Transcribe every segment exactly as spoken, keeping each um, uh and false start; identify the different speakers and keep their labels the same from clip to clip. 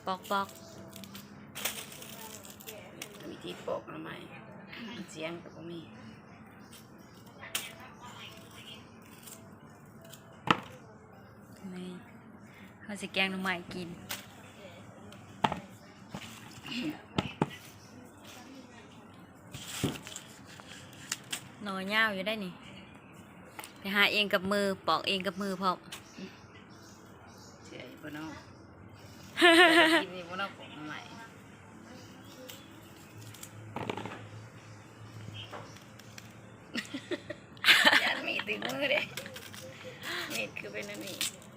Speaker 1: ปอกปอก
Speaker 2: วิธีปอกหน่อไม้เสียงกับพวกนี้
Speaker 1: นี่เขาจะแกงหน่อไม้กินหน่อยาวอยู่ได้นี่ไปหาเองกับมือปอกเองกับมือพร้อม
Speaker 2: เสียอยู่บนนอกกินอยู่บนนอกปอกหน่อไม้ยันมีตีมือเด้นี่คือเป็นอันนี้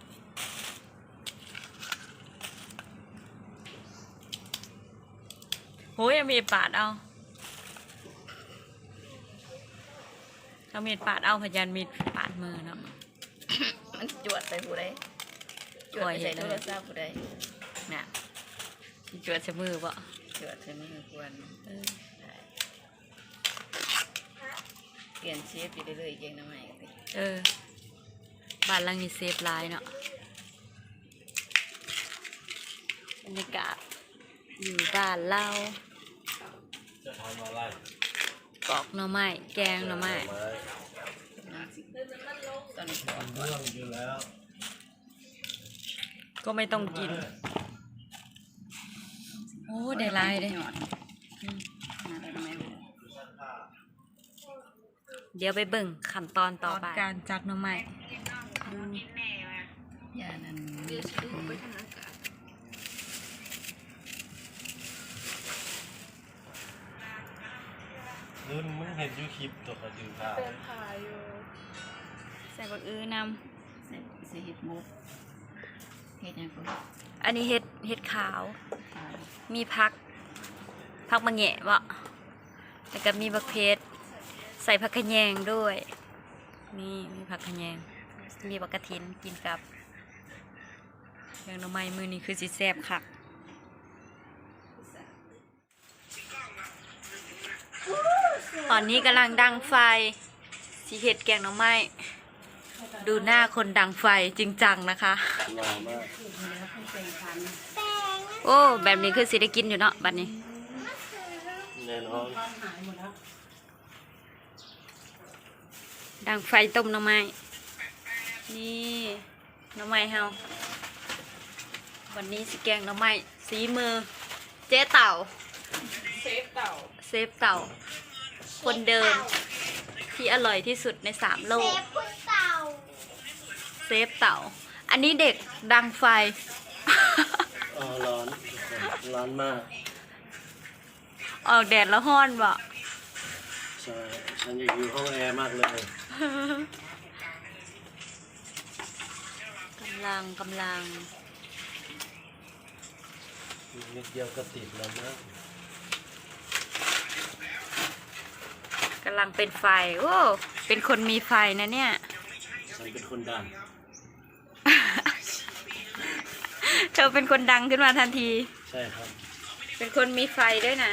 Speaker 1: โหยังมีปาดเอาเอามีดปาดเอาพยันมีดปาดมือเนาะ
Speaker 2: มันจวดใส่ผู้ใดจวดใส่โทรศัพท์ผู้ใดน่ะ
Speaker 1: จวดใส่มือบ่
Speaker 2: จวดใส่มือควรเปลี่ยนเชฟอยู่เรื่อยๆเองนะใหม่
Speaker 1: เออบ้านหลังนี้เซฟไลน์เนาะบรรยากาศอยู่บ้านเรา
Speaker 3: จะทำอะไร
Speaker 1: ปอกหน่อไม้แกงหน่อไม้
Speaker 2: ตอนนี้ปอก
Speaker 3: เรื่องอยู่แล้ว
Speaker 1: ก็ไม่ต้องกินโอ้ได้ลายเลยเดี๋ยวไปเบิ่งขั้นตอนต่อไปการจัดหน่อไม้
Speaker 2: ยานั้น
Speaker 3: รุ่นมึงเห็นยูคลิปตัวกระดือผ้า
Speaker 1: เป็นผ้าอยู่ใส่บักอื้อน
Speaker 2: ำใส่ใส่เห็ดมุกเห็ดยังไง
Speaker 1: อันนี้เห็ดเห็ดขาวมีผักผักมะแงะวะแล้วก็มีบักเพชรใส่ผักขะแยงด้วยนี่มีผักขะแยงมีบักกระถินกินกับแกงหน่อไม้มือนี้คือสิแซ่บคักตอนนี้กำลังดังไฟสีเห็ดแกงหน่อไม้ดูหน้าคนดังไฟจริงจังนะคะโอ้แบบนี้คือสิได้กินอยู่เนาะบัดนี้
Speaker 3: แน่นอน
Speaker 1: ดังไฟต้มหน่อไม้นี่หน่อไม้เฮาวันนี้สิแกงหน่อไม้สีมือเจ๊เต่า
Speaker 2: เซฟเต่า
Speaker 1: เซฟเต่าคนเดิมที่อร่อยที่สุดในสามโลกเซฟเต่าอันนี้เด็กดังไฟ
Speaker 3: อ๋อร้อนร้อนมาก
Speaker 1: ออกแดดแล้วห้อนบ่
Speaker 3: ใช่ฉันอยากอยู่ห้องแอร์มากเลย
Speaker 1: กำลังกำลัง
Speaker 3: นิดเดียวก็ติดแล้วนะ
Speaker 1: กำลังเป็นไฟโอ้เป็นคนมีไฟนะเนี่ย
Speaker 3: ฉันเป็นคนดัง
Speaker 1: เธอเป็นคนดังขึ้นมาทันที
Speaker 3: ใช่ครับ
Speaker 1: เป็นคนมีไฟด้วยนะ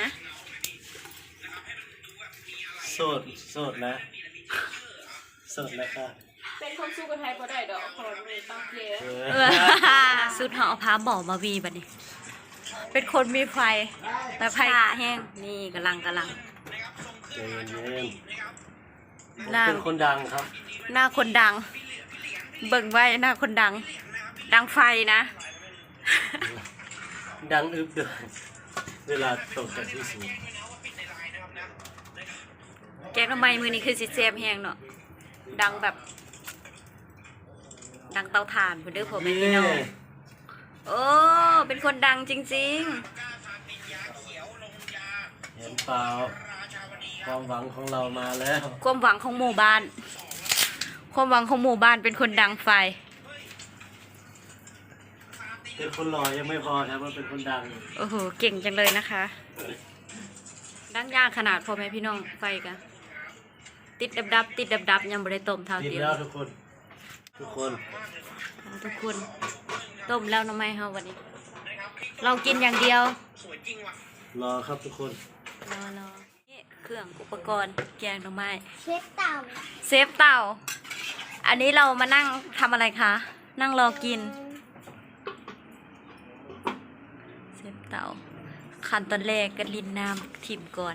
Speaker 3: โสดโสดนะโสดนะคะ
Speaker 2: เป็นคนสู้กับไทยพอได้ดอกคนมีต้องเกลี่
Speaker 1: ยสุดหอพาบอกมาวีบัดนี้เป็นคนมีไฟแต่ไฟแห้งนี่กำลังกำลัง
Speaker 3: เย็นเย็นเป็นคนดังครับ
Speaker 1: หน้าคนดังเบิ่งไว้หน้าคนดังดังไฟนะ
Speaker 3: ดังอึบด้วยเวลาตกจากที่สูง
Speaker 1: แกงทำไมมือนี้คือสิเซฟแห้งเนาะดังแบบดังเตาถ่านคุณเด้อผมไม่พี่น้องโอ้เป็นคนดังจริง
Speaker 3: ๆเห็นเปล่าความหวังของเรามาแล้ว
Speaker 1: ความหวังของหมู่บ้านความหวังของหมู่บ้านเป็นคนดังไฟ
Speaker 3: เป็นคนหล่อยังไม่พอครับมันเป็นคนดัง
Speaker 1: โอ้โหเก่งจังเลยนะคะดังยากขนาดพอไหมพี่น้องไฟกันติดดับดับติดดับดับยังบริต้มเท่า
Speaker 3: ติดแล้วทุกคนทุกคน
Speaker 1: ทุกคนต้มแล้วน้ำไม่เฮาวันนี้เรากินอย่างเดียว
Speaker 3: รอครับทุกคน
Speaker 1: รอรอนี่เครื่องอุปกรณ์แกงหน่อไม้
Speaker 4: เซฟเต่า
Speaker 1: เซฟเต่าอันนี้เรามานั่งทำอะไรคะนั่งรอกินเซฟเตาขั้นตอนแรกก็ลินน้ำทิมก่อน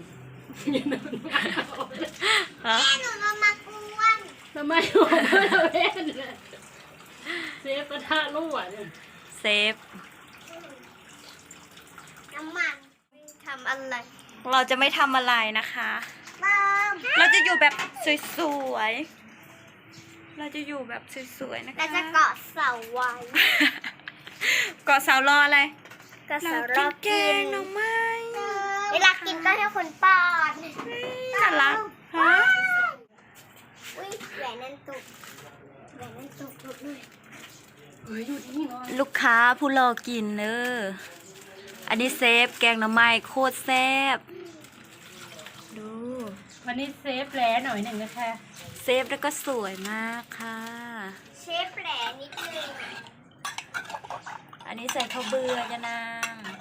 Speaker 1: ฮะ
Speaker 4: หนูมามากวน
Speaker 2: ทำไมหัวเราเล่นเซฟกระทะรั่วเนี่ย
Speaker 1: เซฟ
Speaker 4: น้ำมันทำอะไร
Speaker 1: เราจะไม่ทำอะไรนะคะ
Speaker 4: เติม
Speaker 1: เราจะอยู่แบบสวยๆ เราจะอยู่แบบสวยๆ นะคะ
Speaker 4: เราจะเกาะเสาไว้
Speaker 1: เกาะเสารออะไร
Speaker 4: เกาะ
Speaker 1: เรา
Speaker 4: เสา
Speaker 1: กิ
Speaker 4: รอน
Speaker 1: แก
Speaker 4: กิ
Speaker 1: ง
Speaker 4: น
Speaker 1: หน่อไม้
Speaker 4: เวลากินก็ให้คนป้อน
Speaker 1: น่ารักฮะ
Speaker 4: อุ้ยแหวนนั่นตุกแหวนนั่นตุกตุกเลย
Speaker 2: เฮ้ยอยู่ที่นี่เนาะ
Speaker 1: ลูกค้าผู้รอกินเนออันนี้เซฟแกงหน่อไม้โคตรแซ่บ ดู
Speaker 2: วันนี้เซฟแล้วหน่อยหนึ่งนะคะ
Speaker 1: เซฟแล้วก็สวยมากค่ะ
Speaker 4: เชฟแหลนิดนึง
Speaker 1: อันนี้ใส่ข้าวเบื่อยะนาง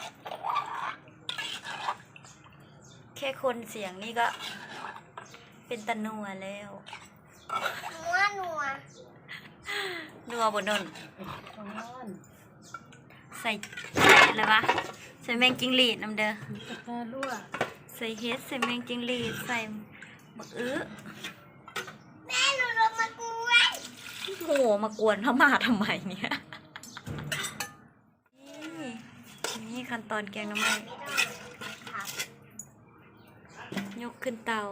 Speaker 1: แค่คนเสียงนี่ก็เป็นตะนัวแล้ว
Speaker 4: นัวนัว
Speaker 1: นัวบนนน
Speaker 2: ช้อน
Speaker 1: ใส่ใส่อะไรวะใส่แมงจิงหรีดน้ำเด้อก
Speaker 2: ระทะรั่ว
Speaker 1: ใส่เฮ็ดใส่แมงจิงหรีดใส่มะอื้อ
Speaker 4: แม่หนูลงมากวน
Speaker 1: โหมากวนเขามาทำไมเนี่ย นี่นี่ขั้นตอนแกงหน้ำมันยกขึ้นเตา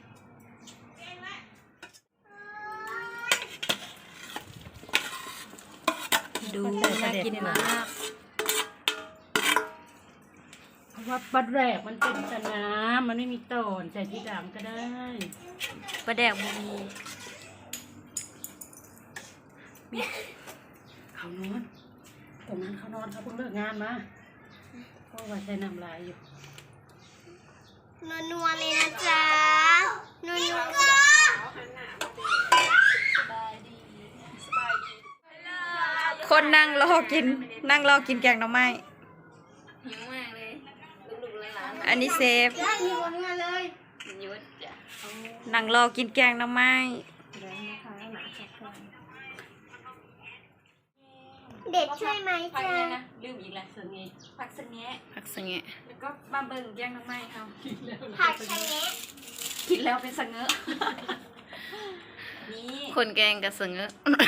Speaker 1: ดูน่ากินมาก
Speaker 2: เพราะว่าบัดแรกมันเป็นแต่น้ำมันไม่มีตอนใส่ที่หลังก็ได้
Speaker 1: ปลาแดกบุมีมี
Speaker 2: เขานอนตรงนั้นเขานอนเขาเพิ่งเลิกงานมาเพราะว่าใช้น้ำลายอยู่
Speaker 4: นัวนัวเลยนะจ๊ะนัวนัว
Speaker 1: คนนั่งรอกิน นั่งรอกินแกงหน่อไม้
Speaker 2: หิวมากเลยลูกๆหลาน
Speaker 1: อันนี้เซฟ
Speaker 4: ได้มีคนงานเลย
Speaker 2: ๆยุดจ้ะ
Speaker 1: นั่งรอกินแกงหน่อไม้
Speaker 4: เด็ดใช่ไหม
Speaker 1: ผัก
Speaker 4: จ๊ะ
Speaker 1: เนี่ยนะลืมอีกแล้ว
Speaker 2: เสงี่
Speaker 1: ผักสะแงะ
Speaker 2: ผักเสงี่
Speaker 1: แล้วก็มาเบิ่งแกงหน่อไม้เขา
Speaker 4: ผักชะแงะ
Speaker 1: กินแล้วเป็นสะเงอะนี่
Speaker 2: คนแกงกับเสงะ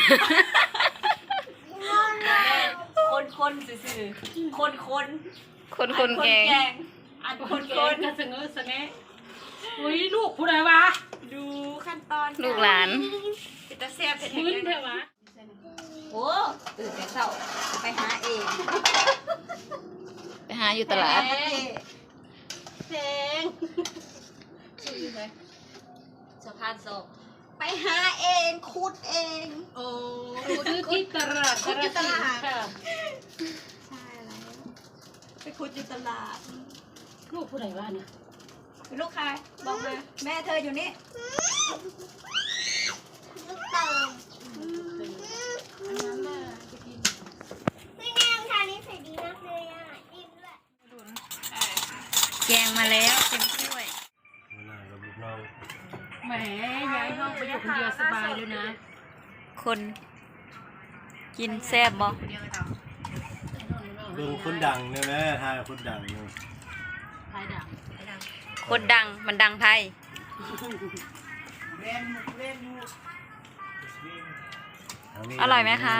Speaker 1: คนคนซื่อๆคนคน
Speaker 2: คนคนแกง
Speaker 1: อันค
Speaker 2: คน
Speaker 1: น
Speaker 2: แก
Speaker 1: ค
Speaker 2: ง
Speaker 1: น
Speaker 2: กับเสงะเสงะอุ้ยลูกผู้ใดวะ
Speaker 1: ดูขั้นตอน
Speaker 2: ลูกหลาน
Speaker 1: เป็นตาแซ่บเป็น
Speaker 2: พื้นเถ
Speaker 1: แท้
Speaker 2: อะวะ
Speaker 1: โอ้ตื่นแต่เช้าไปหาเอง
Speaker 2: ไปหาอยู่ตลาด
Speaker 1: เพลงชื่อเลยสะพานศพไปหาเองคุดเอง
Speaker 2: โอ้ซื้อที่ตลาด
Speaker 1: คุดอยู่ตลาด
Speaker 2: ค่ะ
Speaker 1: ใช่แล้วไปคุดอยู่ตลาด
Speaker 2: ลูกผู้ใดวะเนี่ย
Speaker 1: เป็นลูกใครบอกมาแม่เธออยู่นี่
Speaker 4: ลูกเติมไม่แน่ทานนี้ใส่ดีมากเลยอ่ะอิ่มด้วย
Speaker 1: แกงมาแล้วเต็มถ้วย
Speaker 3: เวลากับลูกน้อง
Speaker 2: แหมย้ายห้องไปอยู่คนเดียวสบายเลยนะ
Speaker 1: คนกินแซ่บบ่
Speaker 3: เบิ่งคนดังเนี่ยนะทายคนดังเนี่ย
Speaker 2: ภายดัง
Speaker 1: คนดังมันดังไทย
Speaker 3: เานี่
Speaker 1: อร่อยไหมคะ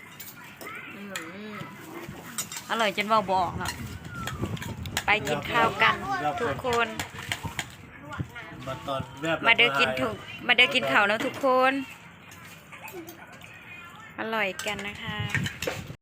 Speaker 1: อร่อยจนว่าบอกเนาะไปกินข้าวกันทุกคน
Speaker 3: มาตอนแวบ
Speaker 1: มาเด้อกินถูกมาเด้อกินข้าวแล้วทุกคน อร่อยกันนะคะ